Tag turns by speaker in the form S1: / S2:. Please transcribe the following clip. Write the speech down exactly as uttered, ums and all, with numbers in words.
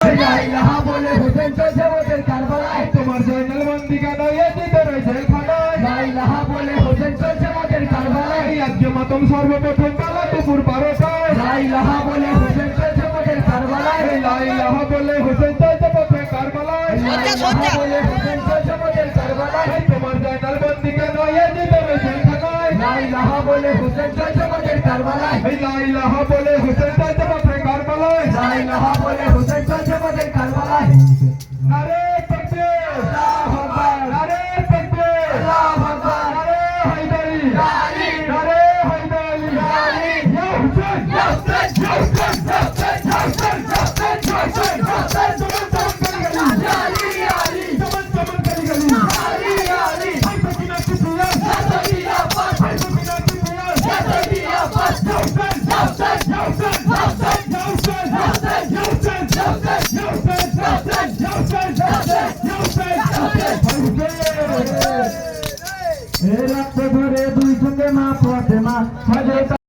S1: লা ইলাহা বলে হোসেন চলছে ওদের কারবালায়।
S2: তোমার জয়নাল বন্দি কেন এ ভিতরে জেলখানায়?
S1: লা ইলাহা বলে হোসেন চলছে ওদের কারবালায়।
S2: আজকে মাতম সর্বপ্রথম বেলা দুপুর বারোটায়।
S1: লা ইলাহা বলে হোসেন চলছে ওদের কারবালায়।
S2: লা ইলাহা বলে হোসেন চলছে পথে কারবালায়।
S1: লা ইলাহা বলে হোসেন চলছে ওদের কারবালায়।
S2: তোমার জয়নাল বন্দি কেন এ ভিতরে জেলখানায়?
S1: লা ইলাহা বলে হোসেন চলছে ওদের কারবালায়।
S2: লা ইলাহা বলে হোসেন চলছে পথে কারবালায়।
S1: লা ইলাহা বলে হোসেন চলছে ওদের কারবালায়।
S2: আরে তাকবীর,
S1: আল্লাহু আকবার,
S2: আরে তাকবীর,
S1: আল্লাহু আকবার,
S2: আরে হায়দারি,
S1: ইয়া আলী,
S2: আরে হায়দারি,
S1: ইয়া আলী,
S2: ইয়া হুসেন,
S1: ইয়া হুসেন, ইয়া হুসেন, ইয়া হুসেন, ইয়া হুসেন, ইয়া হুসেন, ইয়া হুসেন, ইয়া হুসেন,
S2: চমন চমন করি গলি,
S1: ইয়া আলী, ইয়া আলী,
S2: চমন চমন করি গলি,
S1: ইয়া আলী, ইয়া আলী,
S2: হাই সকিনা কুপিয়া,
S1: ইয়া সাইদি ইয়া আব্বাস,
S2: হাই সকিনা কুপিয়া,
S1: ইয়া সাইদি ইয়া আব্বাস,
S2: ইয়া হুসেন,
S1: ইয়া হুসেন,
S2: ইয়া হুসেন,
S1: ইয়া হুসেন,
S2: ইয়া হুসেন,
S1: ইয়া হুসেন,
S2: ইয়া হুসেন,
S1: ইয়া হুসেন,
S2: ইয়া হুসেন,
S1: ইয়া হুসেন,
S2: ইয়া হুসেন,
S1: ইয়া হুসেন,
S2: ইয়া হুসেন,
S1: ইয়া হুসেন।
S2: হাই হুসেন।
S1: এ রাতে ধরে দুই চোখে মা ফাতেমা হযরত